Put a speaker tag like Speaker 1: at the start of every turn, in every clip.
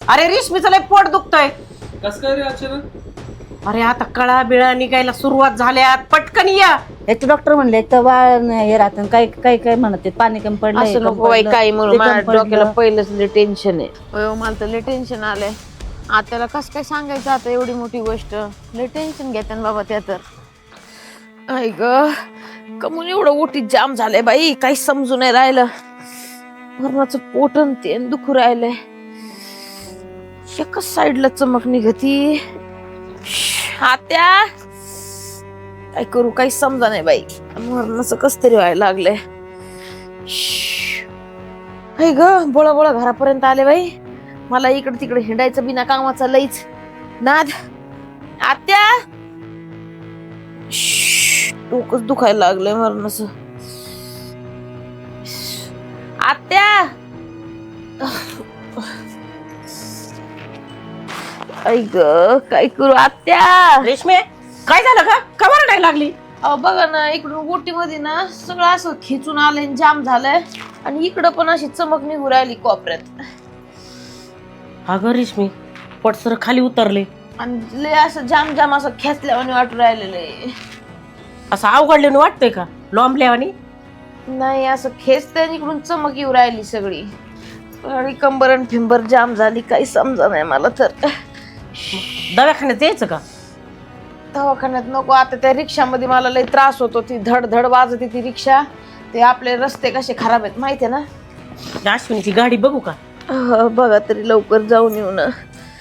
Speaker 1: अरे रेशमीचं लय पोट दुखतोय.
Speaker 2: कस काय रे अचानक?
Speaker 1: अरे आता कळा बिळा निघायला सुरुवात झाल्यात, पटकन या.
Speaker 3: एक डॉक्टर म्हणले तर बाळ हे राहतं काय काय काय म्हणत पाणी कमी पडलं
Speaker 4: असं नको बाई काही म्हणून माझ्या डोक्याला पहिलंच लय टेन्शन आहे. अयो मला तर लय टेन्शन आलंय. आत्याला कस काय सांगायचं आता एवढी मोठी गोष्ट. लय टेन्शन घेते ना बाबा त्या तर. आई ग कमून एवढं ओटीत जाम झालंय बाई, काही समजून नाही राहिलं. मरणाचं पोटन ते दुखू राहिलंय. एकच साईडला चमक निघती. आत्या काय करू काही समजा नाही बाई. मरणाचं कस तरी व्हायला लागलंय. हाय ग बोळा बोळा घरापर्यंत आले बाई. मला इकडे तिकडे हिंडायचं बिना कामाचा लईच नाद. आत्या डोकंच दुखायला लागलंय मरणाचं. आत्या आई ग काय करू आत्या.
Speaker 1: रेशमे काय झालं का? का रडायला लागली?
Speaker 4: अहो बघा ना इकडून गोटी मध्ये ना सगळं असं खेचून आलंय, जाम झालंय. आणि इकडं पण अशी चमक निघू राहिली कोपऱ्यात.
Speaker 1: अगं रेशमी पटसर खाली उतरले.
Speaker 4: आणि लय असं जाम जाम असं खेचल्यावानी वाटू राहिलेलं आहे.
Speaker 1: असं अवघडल्याने वाटतंय का? लोंबल्यावानी?
Speaker 4: नाही असं खेचते इकडून चमक येऊ राहिली सगळी. आणि कंबरन फिंबर जाम झाली, काही समजा नाही मला तर.
Speaker 1: दवाखान्यात यायचं का?
Speaker 4: दवाखान्यात नको आता. त्या रिक्षामध्ये मला लय त्रास होतो. ती धड धड वाजते ती रिक्षा. ते आपले रस्ते कसे खराब आहेत माहितीये ना.
Speaker 1: अश्विनीची गाडी बघू का?
Speaker 4: बघा तरी लवकर जाऊन येऊ ना.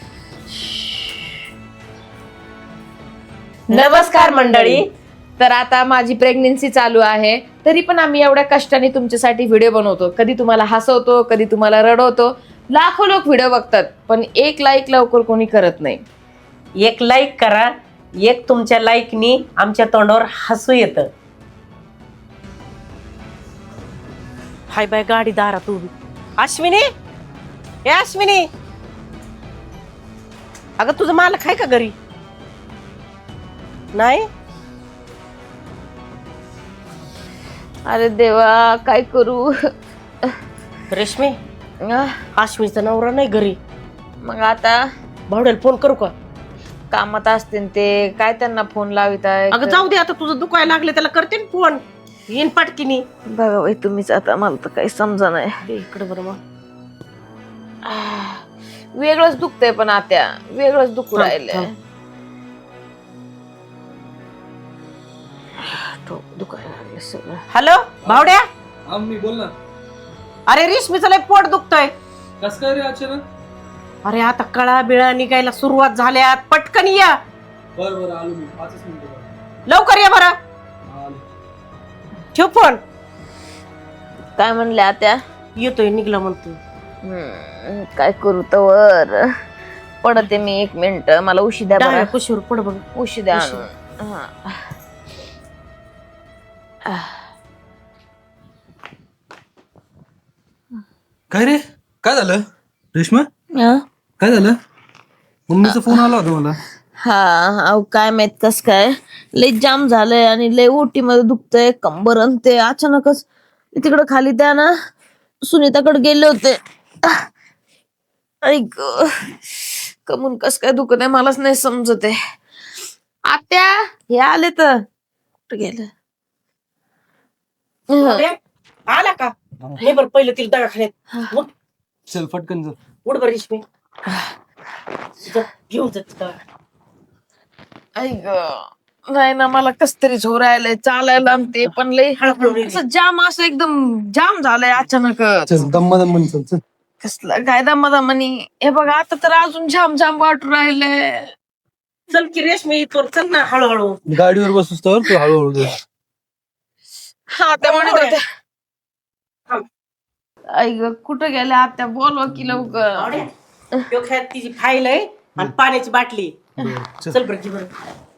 Speaker 4: नमस्कार मंडळी. तर आता माझी प्रेग्नेन्सी चालू आहे, तरी पण आम्ही एवढ्या कष्टाने तुमच्यासाठी व्हिडिओ बनवतो. कधी तुम्हाला हसवतो, कधी तुम्हाला रडवतो. लाखो लोक व्हिडिओ बघतात, पण एक लाईक लवकर कोणी करत नाही.
Speaker 1: एक लाईक करा. एक तुमच्या लाईकनी आमच्या तोंडावर हसू येतं. हाय बाय गाडी दारात उभी. अश्विनी ए अश्विनी, अगं तुझं मालक आहे का घरी? नाही.
Speaker 4: अरे देवा काय करू.
Speaker 1: रेशमी अश्विनीचा नवरा नाही घरी.
Speaker 4: मग आता
Speaker 1: भावड्याला फोन करू का?
Speaker 4: कामात असतील ते, काय त्यांना फोन लावित आहे.
Speaker 1: अगं जाऊ दे आता, तुझं दुखायला लागले त्याला करते ना फोन. येईन पटकिनी.
Speaker 4: बघा बाई तुम्हीच आता, मला तर काही समजा नाही.
Speaker 1: इकडे बरं मग
Speaker 4: वेगळंच दुखतंय पण आत्या, वेगळंच दुखू राहिलंय. दुखायला लागले सगळं.
Speaker 1: हॅलो भावड्या.
Speaker 2: हा मी बोल ना.
Speaker 1: अरे रेशमीचं लय पोट दुखतोय.
Speaker 2: कस काय रे अचानक?
Speaker 1: अरे आता कळा बिळा निघायला सुरुवात झाल्यात, पटकन या.
Speaker 2: बर आलो मी 5 मिनिटं.
Speaker 1: लवकर या बरं.
Speaker 2: आलो.
Speaker 1: ठेव फोन.
Speaker 4: काय म्हणले आत्या?
Speaker 1: येतोय निघला म्हणतो.
Speaker 4: काय करू तर पडते मी 1 मिनिट. मला उशी द्या बरं.
Speaker 1: कुशीवर पड बघ.
Speaker 4: उशी द्या आणून.
Speaker 2: काय रे काय झालं रेश्मा? काय झालं? मम्मीचा फोन आला होता मला.
Speaker 4: अहो काय माहित कस काय लय जाम झालंय आणि लय ओटी मध्ये दुखतंय कंबर. आणि ते अचानकच तिकडं खाली त्या ना सुनीताकडे गेले होते. ऐक कमून कस काय दुखत आहे मलाच नाही समजत आहे. आत्या हे आले तर कुठं गेलं.
Speaker 1: आला का? नाही बरं पहिलं तिला दवाखान्यात. उठ.
Speaker 2: चल फटकन चल.
Speaker 1: उठ बरं रेशमी. घेऊन जात.
Speaker 4: ऐक नाही ना मला कस तरी झोरायलंय चालायला. ते पण लय असं जाम असं एकदम जाम झालंय अचानक.
Speaker 2: चल दम्मा चल चल.
Speaker 4: कसलं काय दमादमानी. हे बघा आता तर अजून जाम जाम वाटू राहिलंय.
Speaker 1: चल की रेशमी इथवर चल ना हळूहळू.
Speaker 2: गाडीवर बसूस तर तू हळूहळू दे.
Speaker 4: हा त्या म्हणत होत्या. ऐक कुठं गेल्या आत्या बोलवा की लवकर.
Speaker 1: डोक्यात तिची फाईल आहे आणि पाण्याची बाटली.
Speaker 2: चल.
Speaker 1: चल बरं की बरं.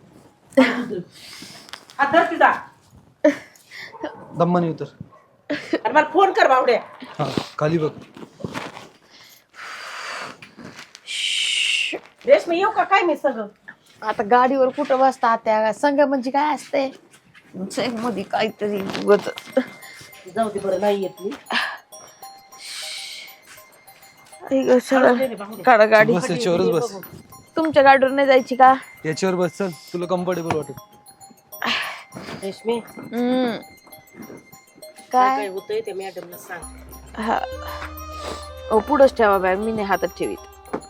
Speaker 1: हा धर तिचा.
Speaker 2: दम्मानी उतर.
Speaker 1: आणि मला फोन कर बावड्या.
Speaker 2: हा खाली बघ.
Speaker 1: रेशमी येऊ का काय मी सगळं?
Speaker 4: आता गाडीवर कुठं बसता आत्या? संग म्हणजे काय असते मध्ये काहीतरी उगत.
Speaker 1: जाऊ दे बरं नाही येत मी.
Speaker 4: काढा गाडी.
Speaker 2: बस याच्यावरच बस.
Speaker 4: तुमच्या गाडीवर नाही जायची का?
Speaker 2: याच्यावर बस, चल तुला कम्फर्टेबल वाटेल.
Speaker 1: रेशमी
Speaker 4: काय
Speaker 1: काय होतंय ते मॅडमला सांग.
Speaker 4: हा पुढंच ठेवा बॅग, मी नाही हातात ठेवीत.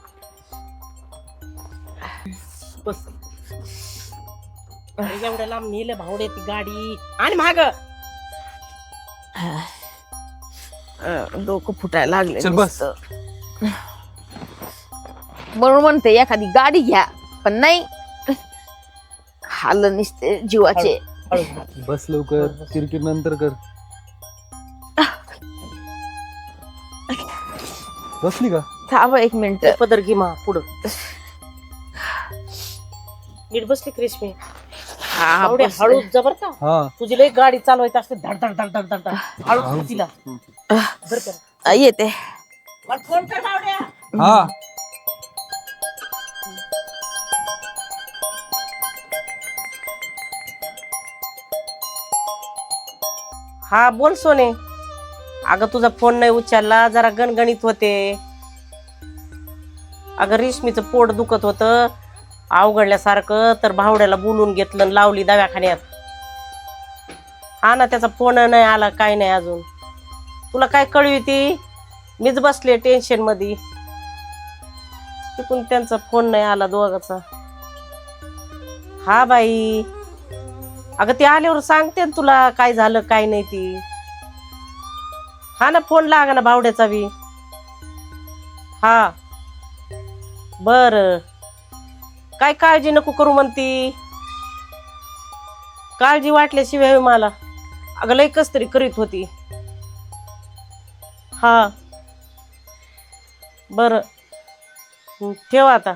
Speaker 1: बस. अरे एवढ्या लांब नेलं भावडे ती गाडी आणि माग.
Speaker 4: डोकं फुटायला लागले.
Speaker 2: चल बस.
Speaker 4: म्हणून म्हणते एखादी गाडी घ्या, पण नाही, हाल निसते जीवाचे.
Speaker 2: बस लवकर, किरकिर नंतर कर. बसली का?
Speaker 4: थांबा 1 मिनिट.
Speaker 1: पदर घे मा पुढं. नीट बसली का रेशमी?
Speaker 4: हा
Speaker 1: एवढे हळू जबर का?
Speaker 2: हा
Speaker 1: तुझी लई गाडी चालवायची असते धड धड धड धड धड धड. हळू तिला बरं कर.
Speaker 4: येते.
Speaker 1: मला फोन कर बावड्या.
Speaker 2: हा.
Speaker 1: हा बोल सोने. अगं तुझा फोन नाही उचलला, जरा गणगणित होते. अगं रेशमीचं पोट दुखत होतं अवघडल्यासारखं, तर भावड्याला बोलून घेतलं आणि लावली दवाखान्यात. हा ना, त्याचा फोन नाही आला, काय नाही अजून. तुला काय कळवी ती? मीच बसले टेन्शन मध्ये. तिकून त्यांचा फोन नाही आला दोघाचा. हा बाई, अगं ते आल्यावर सांगते ना तुला काय झालं काय नाही ती. हा ना, फोन लागा ना भावड्याचा बी. हा बर, काय काळजी नको करू म्हणती. काळजी वाटल्याशिवाय मला. अगं लय कस तरी करीत होती. हा बर, ठेव आता.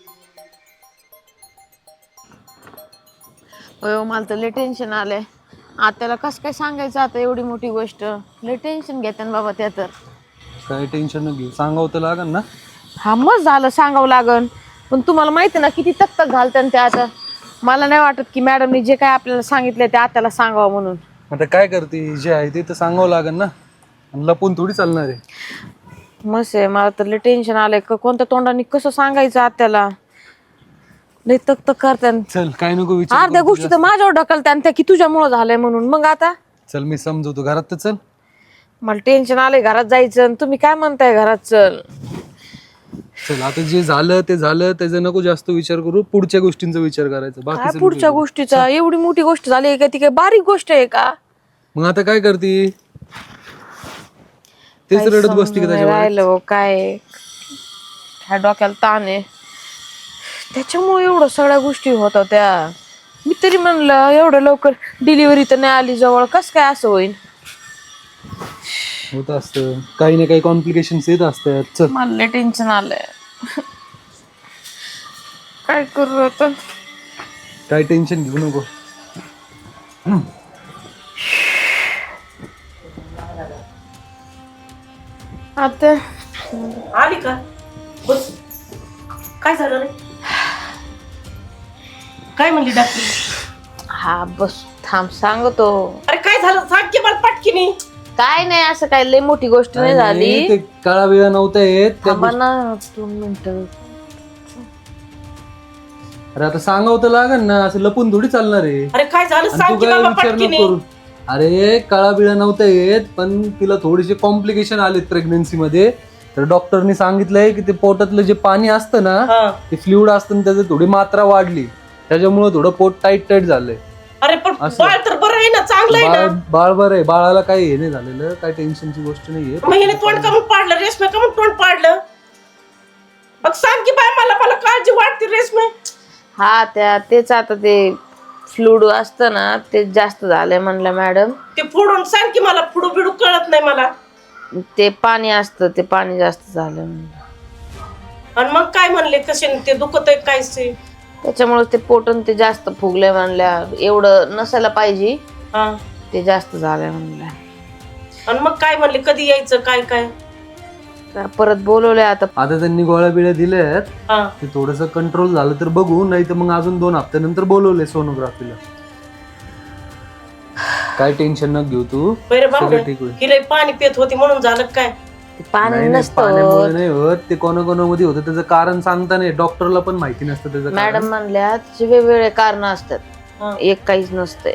Speaker 4: मला तर लय टेन्शन आलंय. आत्याला कसं काय सांगायचं आता एवढी मोठी गोष्ट. लय टेन्शन घेते ना बाबा त्या. तर
Speaker 2: काय टेन्शन न घेऊ, सांगावं तर लागन ना.
Speaker 4: हा मग झालं, सांगावं लागन. पण तुम्हाला माहिती ना किती तक घालतात ते आता. मला नाही वाटत की मॅडमनी जे काय आपल्याला सांगितलंय ते आत्याला सांगावं म्हणून.
Speaker 2: आता काय करते, जे आहे ते तर सांगावं लागन ना. आणि लपून थोडी चालणार आहे.
Speaker 4: मस्त आहे. मला तर लय टेन्शन आलंय. कोणत्या तोंडाने कसं सांगायचं आत्याला. लय तक करतात.
Speaker 2: चल काय नको विचार
Speaker 4: अर्ध्या
Speaker 2: करू
Speaker 4: गोष्टी तर माझ्यावर ढकलतात त्या की तुझ्यामुळं झालंय म्हणून. मग आता
Speaker 2: चल मी समजवतो, घरात तर चल.
Speaker 4: मला टेन्शन आलंय घरात जायचं. आणि तुम्ही काय म्हणताय घरात चल.
Speaker 2: चल आता जे झालं ते झालं, त्याचा नको जास्त विचार करू. पुढच्या गोष्टींचा विचार करायचा.
Speaker 4: काय
Speaker 2: बाकी
Speaker 4: पुढच्या गोष्टीचा? एवढी मोठी गोष्ट झाली आहे का? ती काय बारीक गोष्ट आहे का?
Speaker 2: मग आता काय करते? तेच
Speaker 4: काही
Speaker 2: रडत बसती का
Speaker 4: समजून नाही
Speaker 2: त्याच्यावर?
Speaker 4: राहिलं काय. ह्या डोक्याला ताण आहे. त्याच्यामुळे एवढं सगळ्या गोष्टी होत होत्या. मी तरी म्हणलं एवढं लवकर डिलिव्हरी तर नाही आली जवळ, कस काय असं होईल.
Speaker 2: होत असतं, काही ना काही कॉम्प्लिकेशन्स येत असतात. चल
Speaker 4: मला लय टेन्शन आलंय. काय करू आता?
Speaker 2: काय टेन्शन घेऊ नको.
Speaker 4: आता
Speaker 1: आली का? बस. काय झालं रे? काय म्हणली डॉक्टर?
Speaker 4: हा बस थांब सांगतो.
Speaker 1: अरे काय झालं सांग की मला पटकीनी.
Speaker 4: काय नाही, असं काय लय मोठी गोष्ट नाही झाली.
Speaker 2: ते काळा वेळा नव्हता येत त्या
Speaker 4: थांबा ना 2 मिनिटं.
Speaker 2: अरे आता सांगावं तर लागन ना, असं लपून थोडी चालणार आहे.
Speaker 1: अरे काय झालं
Speaker 2: आणि
Speaker 1: सांग
Speaker 2: तू
Speaker 1: की
Speaker 2: काय
Speaker 1: बाबा
Speaker 2: विचार नको
Speaker 1: पटकीनी.
Speaker 2: करू. अरे काळा बिळा नव्हता येत, पण तिला थोडेसे कॉम्प्लिकेशन आलेत प्रेग्नन्सी मध्ये. तर डॉक्टरनी सांगितलंय की ते पोटातलं जे पाणी असतं ना,
Speaker 1: हा.
Speaker 2: ते फ्लुइड असतं, त्याची थोडी मात्रा वाढली. त्याच्यामुळे थोडं पोट टाईट झालंय.
Speaker 1: अरे पण
Speaker 2: असं.
Speaker 1: बाळ तर बरं आहे ना, चांगलं आहे ना.
Speaker 2: बाळ बरं आहे, बाळाला काही हे नाही झालेलं, काय टेन्शनची गोष्ट नाहीये.
Speaker 1: मग हिने तोंड कमून पाडलं रेशमे, कमून तोंड पाडलं. मग सांग की बाय, मला काळजी वाटते रेशमे.
Speaker 4: हा तेच आता ते फ्लूड असतं ना ते जास्त झालंय म्हणलं मॅडम.
Speaker 1: ते फोडून सांग की मला, फुडू बिडू कळत नाही मला.
Speaker 4: ते पाणी असतं, ते पाणी जास्त झालं म्हणलं.
Speaker 1: आणि मग काय म्हणले, कसे ते दुखत आहे काय से?
Speaker 4: त्याच्यामुळे ते पोटन ते जास्त फुगले म्हणल्या. एवढं नसायला पाहिजे,
Speaker 1: हा.
Speaker 4: ते जास्त झालंय म्हणलं.
Speaker 1: आणि मग काय म्हणले, कधी यायचं काय काय?
Speaker 4: परत बोलवलंय आता.
Speaker 2: आता त्यांनी गोळ्या बिळ्या दिल्यात,
Speaker 1: हा.
Speaker 2: ते थोडस कंट्रोल झालं तर बघू, नाही तर मग अजून 2 हफ्त्यानंतर बोलवले सोनोग्राफीला. काय टेन्शन न घेऊ तू,
Speaker 1: बरं बाबा,
Speaker 2: सगळं ठीक होईल.
Speaker 1: हिला पाणी पित होती म्हणून झालं काय?
Speaker 4: ते पाणी
Speaker 2: नाही,
Speaker 4: नसतं
Speaker 2: पाण्यामुळे नाही होत, ते कोणाकोणामध्ये होतं त्याचं कारण सांगता नाही, डॉक्टरला पण माहिती नसतं त्याचं कारण.
Speaker 4: मॅडम म्हणल्या त्याचे वेगवेगळे कारण असतात,
Speaker 1: हा.
Speaker 4: एक काहीच नसतंय.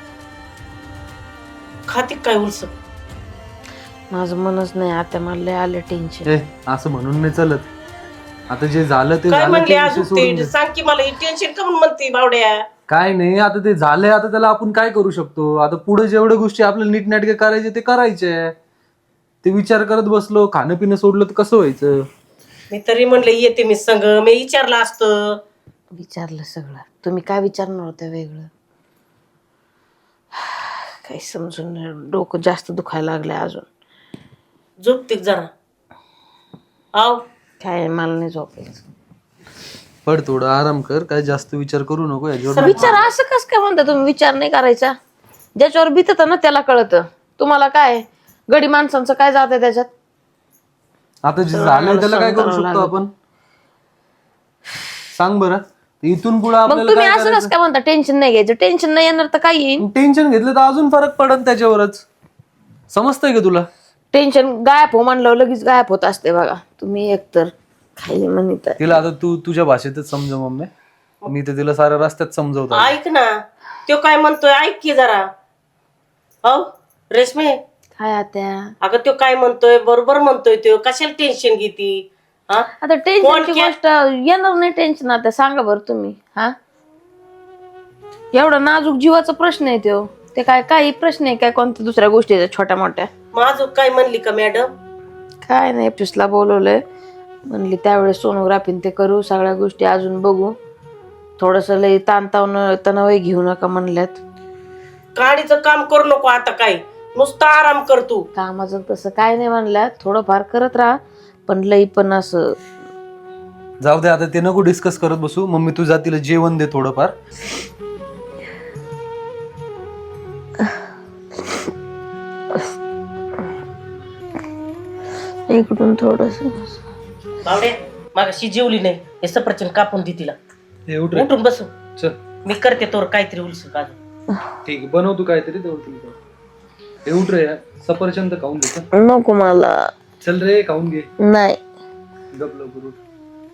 Speaker 1: खाती काय उलस?
Speaker 4: माझं मनच नाही आता, मला लय आलं टेन्शन.
Speaker 2: ए, असं म्हणून नाही चालत. आता जे झालं ते
Speaker 1: काय
Speaker 2: झालं,
Speaker 1: म्हणले
Speaker 2: ते
Speaker 1: आज
Speaker 2: विषय सोडून
Speaker 1: ते
Speaker 2: दे.
Speaker 1: सांग की मला, टेन्शन का म्हणून म्हणते बावड्या?
Speaker 2: काय नाही, आता ते झालंय, आता त्याला आपण काय करू शकतो? आता पुढे जेवढ्या गोष्टी आपल्याला नीटनाटके करायचे ते करायचे. ते विचार करत बसलो, खाणं पिणं सोडलं तर कसं व्हायचं?
Speaker 1: मी तरी म्हणले येते मी संग, मी विचारलं असतं.
Speaker 4: विचारलं सगळं, तुम्ही काय विचारणार होतं वेगळं? काही समजून नाही, डोकं जास्त दुखायला लागलंय अजून.
Speaker 1: झोपते जरा. आव
Speaker 4: काय मला नाही झोपायचं.
Speaker 2: पड, थोडं आराम कर, काय जास्त विचार करू नको याच्यावर.
Speaker 4: विचार असं कस काय म्हणता तुम्ही? विचार नाही करायचा, ज्याच्यावर भीतत ना त्याला कळतं. तुम्हाला काय गडी माणसांचं काय जात आहे त्याच्यात?
Speaker 2: आता जे झालंय त्याला काय करू शकतो आपण? सांग बरं. इथून पुढे
Speaker 4: मग
Speaker 2: आपल्याला
Speaker 4: तुम्ही
Speaker 2: काय
Speaker 4: असं कसं काय म्हणता टेन्शन नाही घ्यायचं? टेन्शन नाही येणार तर काय येईल?
Speaker 2: टेन्शन घेतलं तर अजून फरक पडत त्याच्यावरच. समजतंय का तुला?
Speaker 4: टेन्शन गायब हो म्हणलं लगेच गायब होत असते बघा. तुम्ही एकतर खाली म्हणत आहे.
Speaker 2: तिला आता तू तुझ्या भाषेतच समजव मम्मी, मी तर तिला साऱ्या रस्त्यात समजवतो.
Speaker 1: ऐक ना, तो काय म्हणतोय ऐक की जरा. हो रेशमे,
Speaker 4: काय आता?
Speaker 1: अगं तो काय म्हणतोय बरोबर म्हणतोय, तो कशाला टेन्शन घेती? हा
Speaker 4: आता टेन्शनची गोष्ट येणार नाही टेन्शन. आता सांगा बरं तुम्ही, हा एवढा नाजूक जीवाचा प्रश्न आहे तो. ते काय काही प्रश्न आहे काय कोणत्या दुसऱ्या गोष्टीचा छोट्या मोठ्या?
Speaker 1: माझं काय म्हणली का मॅडम?
Speaker 4: काय नाही, एफटीसला बोलवलंय म्हणली त्यावेळेस सोनोग्राफी ते करू, सगळ्या गोष्टी अजून बघू, थोडस लई तणाव घेऊ नका म्हणल्यात.
Speaker 1: गाडीचं काम करू नको आता, काय नुसतं आराम कर तू.
Speaker 4: कामाचं तसं काय नाही म्हणल्यात, थोडंफार करत राहा पण लई पण असं.
Speaker 2: जाऊ दे आता, ते नको डिस्कस करत बसू. मम्मी तू जा, तिला जेवण दे थोडंफार.
Speaker 4: इकडून थोडस.
Speaker 1: बावड्या मागाशी जेवली नाही, हे सफरचंद कापून दे तिला.
Speaker 2: हे उठ रे.
Speaker 1: उठून बसू,
Speaker 2: चल
Speaker 1: मी करते तोर काहीतरी उलस का.
Speaker 2: ठीक आहे, बनव तू काहीतरी तेवढं. हे उठ रे, सफरचंद खाऊन घे. चल.
Speaker 4: नको मला.
Speaker 2: चल रे, खाऊन घे.
Speaker 4: नाही
Speaker 2: गप लवकर उठ.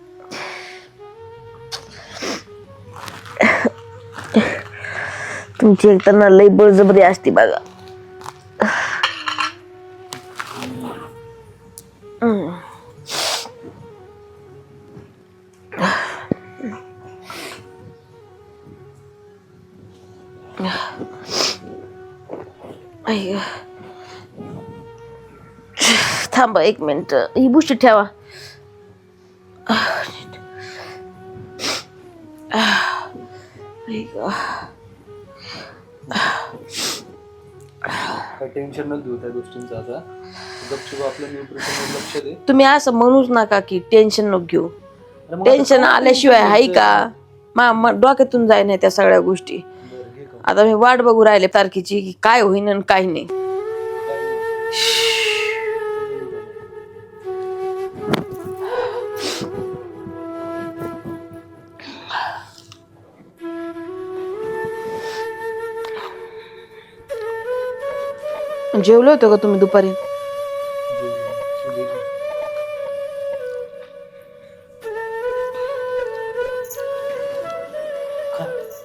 Speaker 4: तुमची एक तर ना लई बळजबरी असती बघा. थांबा एक मिनिट, ही बुशी ठेवा.
Speaker 2: काय टेन्शन न घेऊ त्या गोष्टींचं. आता गपचूप आपलं न्यूट्रिशनवर लक्ष दे.
Speaker 4: तुम्ही असं म्हणूच नका की टेन्शन नको घेऊ.
Speaker 2: अरे मग आता
Speaker 4: टेन्शन
Speaker 2: काय
Speaker 4: आल्याशिवाय
Speaker 2: tension
Speaker 4: हाय
Speaker 2: घ्यायचं?
Speaker 4: का? डोक्यातून जाय नाही त्या सगळ्या गोष्टी.
Speaker 2: बरं, घे खाऊन.
Speaker 4: आता मी वाट बघू राहिले तारखेची की काय होईन आणि काय नाही. जेवले होते का तुम्ही दुपारी?
Speaker 1: खा.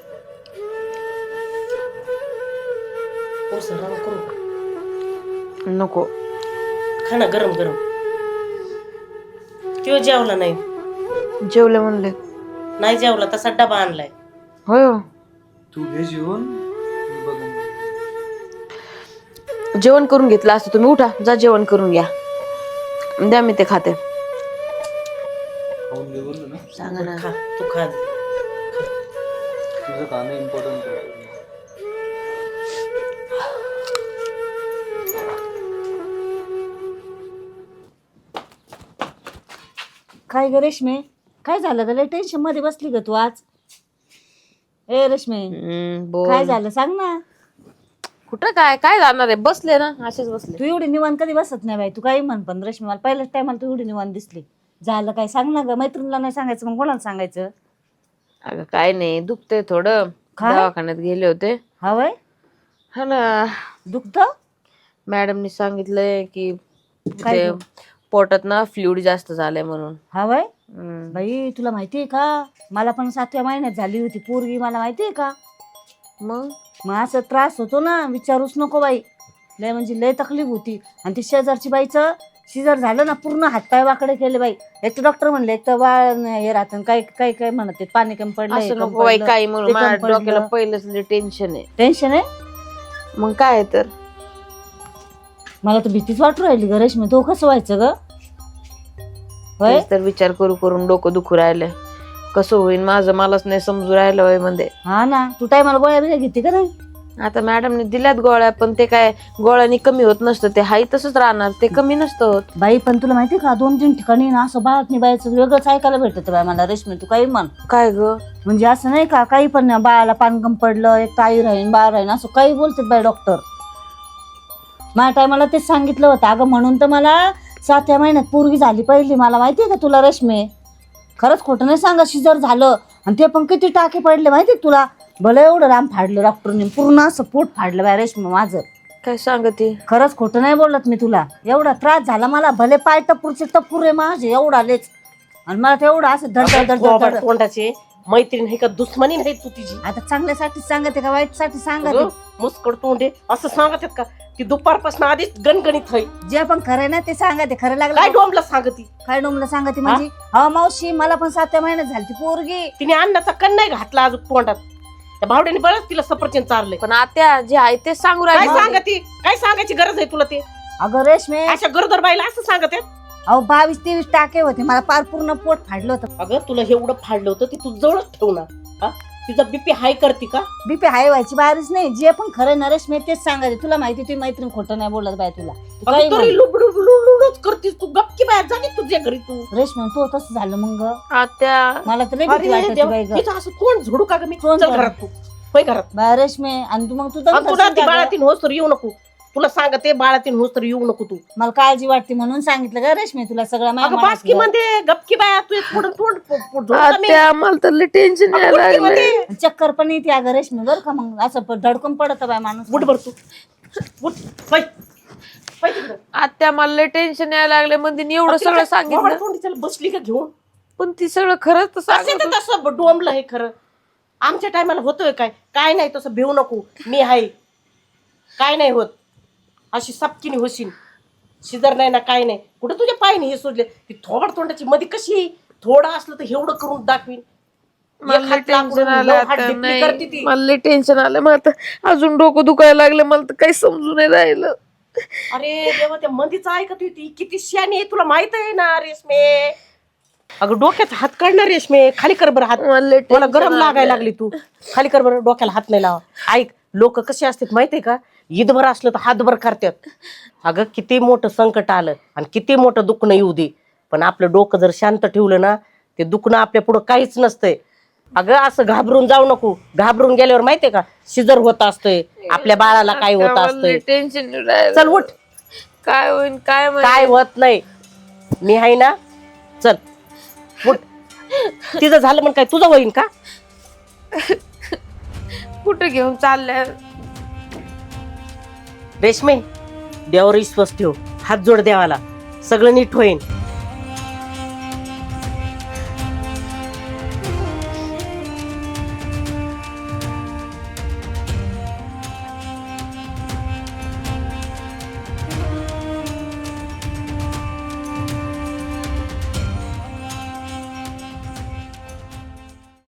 Speaker 1: थोडंसं आराम करू.
Speaker 4: नको.
Speaker 1: खा ना गरम गरम. तो जेवला नाही.
Speaker 4: जेवले म्हणले.
Speaker 1: नाही जेवला, तसा डबा आणलाय.
Speaker 4: होय हो.
Speaker 2: तू घे जेवण, मी बघून घेईन.
Speaker 4: जेवण करून घेतलं असतं तुम्ही. उठा जा जेवण करून घ्या, द्या मी ते खाते.
Speaker 2: खाऊन घे बोललो ना.
Speaker 4: सांगा ना.
Speaker 1: खा तू खा.
Speaker 2: तुझं खाणं इम्पॉर्टंट आहे.
Speaker 3: काय ग रेश्मे, काय झालं ग? लय टेन्शन मध्ये बसली ग तू आज. ए रेश्मे,
Speaker 4: बोल.
Speaker 3: काय झालं सांग ना.
Speaker 4: कुठं काय काय जाणार आहे? बसले ना, असेच बसले.
Speaker 3: तू एवढी निवांत कधी बसत नाही बाई. तू काही म्हण पण रेश्मे, मला पहिल्याच टायमाला तू एवढी निवांत दिसली. झालं काय सांग ना ग. मैत्रिणीला नाही सांगायचं मग कोणाला सांगायचं?
Speaker 4: अगं काय नाही, दुखतंय थोडं.
Speaker 3: काय?
Speaker 4: दवाखान्यात गेले होते.
Speaker 3: हा वय
Speaker 4: हा ना,
Speaker 3: दुखत?
Speaker 4: मॅडमनी सांगितलंय की
Speaker 3: काय
Speaker 4: ते
Speaker 3: ग?
Speaker 4: पोटात ना फ्लुइड जास्त झालंय म्हणून.
Speaker 3: हा बाई. बाई तुला माहितीये का, मला पण 7व्या महिन्यात झाली होती पोरगी, मला माहितीये का. मग असं त्रास होतो ना, विचारूच नको बाई. लय म्हणजे लय तकलीफ होती. आणि ती शेजारची बाईचं शिजर झालं ना, पूर्ण हातपाय वाकडे केले बाई. एक तर डॉक्टर म्हणले, एक तर बाळ हे राहतं, काय काय काय म्हणत ते, पाणी कमी पडलं,
Speaker 4: असं नको बाई काही म्हणून. माझ्या डोक्याला पहिलंच टेन्शन आहे.
Speaker 3: टेन्शन आहे.
Speaker 4: मग काय तर
Speaker 3: मला तर भीतीच वाटू राहिली ग रेश्मी, तो कसं व्हायचं ग. होय
Speaker 4: तेच तर विचार करून डोकं दुखू राहिलंय. कसं होईल माझं, मलाच नाही समजू राहिलं वय मध्ये.
Speaker 3: हा ना, तू टायमाला गोळ्या बिळ्या घेते का नाही.
Speaker 4: आता मॅडमने दिल्यात गोळ्या, पण ते काय गोळ्यानी कमी होत नसतं, ते हाई तसंच राहणार, ते कमी नसतं होत.
Speaker 3: बाई पण तुला माहितीये का, 2-3 ठिकाणी ना असं बाळातनी बाईचं वेगळंच ऐकायला भेटत बाई मला रेश्मी. तू काही म्हण.
Speaker 4: काय ग
Speaker 3: म्हणजे असं नाही का, काही पण नाही, बाळाला पानगम पडलं, एक ताई राहीन बाळ राहीन असं काही बोलतात बाई डॉक्टर. माझ्या टायमाला तेच सांगितलं होतं अगं, म्हणून तर मला 7व्या महिन्यात पोरगी झाली पहिली. मला माहितीये का तुला रेश्मी, खरंच खोटं नाही सांगा, शिजर झालं. आणि ते पण किती टाके पडले माहितीये तुला. भलं एवढं राम फाडलं डॉक्टरने, पूर्ण असं पोट फाडलं बाय रेश्मी माझं.
Speaker 4: काय सांगते.
Speaker 3: खरंच खोटं नाही बोलत मी तुला. एवढा त्रास झाला मला, भले पाय टपूरचे टपूर आहे माझे एवढा लेच. आणि मला ते एवढं असं धड
Speaker 1: तोंडाचे मैत्रीण आहे का दुश्मनी नाही तू तिची.
Speaker 3: आता चांगल्यासाठी सांगते का वाईटसाठी सांगते.
Speaker 1: मुस्कड तोंडे असं सांगत का, ती दुपारपासून आधीच गणगणित आहे.
Speaker 3: जे पण खरं ना ते सांगते. खरं
Speaker 1: काय
Speaker 3: लागलं
Speaker 1: डोंबला सांगती.
Speaker 3: काय डोमला सांगते म्हणजे. हा मावशी, मला पण 7व्या महिन्यात झाली ती पोरगी.
Speaker 1: तिने अन्नाचा कण नाही घातला अजून तोंडात. त्या भावड्याने बरंच तिला सफरचंद चारलंय.
Speaker 4: पण आत्या जे आहे ते सांगू
Speaker 1: काय
Speaker 4: राहिले.
Speaker 1: सांगती, काय सांगायची गरज आहे तुला. ते
Speaker 3: अगं रेश्मे,
Speaker 1: अशा गरोदर बाईला असं सांगत आहेत.
Speaker 3: अहो 22-23 टाके होते मला, पार पूर्ण पोट फाडलं होतं.
Speaker 1: अगं तुला एवढं फाडलं होतं ते तू जवळच ठेवणार. हा, तिचा बीपी हाय करते का.
Speaker 3: बीपी हाय व्हायची बाहेरच नाही. जे पण खरं ना रेश्मे तेच सांगायचे. तुला माहिती ती मैत्रीण खोटं नाही बोलत बाय तुला. तू काही म्हण.
Speaker 1: तरी लुडलुडच करतीस तू. गपकी बाहेर जाणे तुझ्या घरी तू.
Speaker 3: रेश्मे तू तसं झालं मग.
Speaker 4: आत्या
Speaker 3: मला तर लई भीती वाटायची बाई ग.
Speaker 1: हिचं असं तोंड झोडू का ग मी.
Speaker 3: तोंड
Speaker 1: चल
Speaker 3: झोडू.
Speaker 1: घरात तू. होय घरात.
Speaker 3: बाय रेश्मे, आणि तू मग तू
Speaker 1: आणि तुला ती बाळातीन होस तर येऊ नको. तुला सांगते बाळातीन होस तर येऊ नको तू.
Speaker 3: मला काळजी वाटते म्हणून सांगितलं का रेश्मे तुला सगळं
Speaker 1: अगं
Speaker 3: माहिती.
Speaker 1: बासकी मध्ये गपकी बाया तू पुढं तोंड
Speaker 4: आत्या मला तर टेन्शन यायला लागलंय.
Speaker 3: चक्कर पण येते अगं रेश्मी बरं का. मग असं धडकून पडत बाय माणूस.
Speaker 1: उठ बर तू उठ. पै पै तिकडं.
Speaker 4: आत्या मला टेन्शन यायला लागले म्हणजे एवढं सगळं सांगितलं,
Speaker 1: तोंडी बसली का घेऊन.
Speaker 4: पण ती सगळं खरंच तर
Speaker 1: असे
Speaker 4: सांगत
Speaker 1: तर तसं डोंबलं हे खरं. आमच्या टायमाला होतोय काय. काय नाही तसं भिवू नको. मी आहे. काय नाही होत. अशी सपकिनी होशील. शिजर नाही ना काय नाही. कुठं तुझ्या पायने हे सोडले. ती थोबड तोंडाची मध्ये कशी थोडं असलं तर एवढं करून दाखवीन.
Speaker 4: मला टेन्शन आलं आता.
Speaker 1: करते ती.
Speaker 4: मला टेन्शन आलं. मग आता अजून डोकं दुखायला लागलं. मला तर काही समजून नाही राहिलं.
Speaker 1: अरे देवा, त्या मंदीचं ऐकत होती. किती शहाणी आहे तुला माहित आहे ना रेशमे. अगं डोक्यात हात काढणार रेशमे. खाली कर बरं हात. मला गरम लागायला लागली तू. खाली कर बरं. डोक्याला हात नाही लावा. ऐक, लोक कसे असतात माहितीये का, ईदभर असलं तर हातभर करतात. अगं किती मोठं संकट आलं आणि किती मोठं दुखणं येऊ दे, पण आपलं डोकं जर शांत ठेवलं ना, ते दुखणं आपल्या पुढं काहीच नसतंय. अगं असं घाबरून जाऊ नको. घाबरून गेल्यावर माहितीये का शिजर होत असतंय. आपल्या बाळाला काय होत असतंय.
Speaker 4: टेन्शन
Speaker 1: चल उठ.
Speaker 4: काय होईल काय
Speaker 1: काय होत नाही. मी आहे ना. चल उठ. तिचं झालं म्हणून काय तुझं होईन का.
Speaker 4: कुठं घेऊन चाललंय
Speaker 1: रेशमे, देवावर विश्वास ठेव. हात जोड देवाला. सगळं नीट होईन.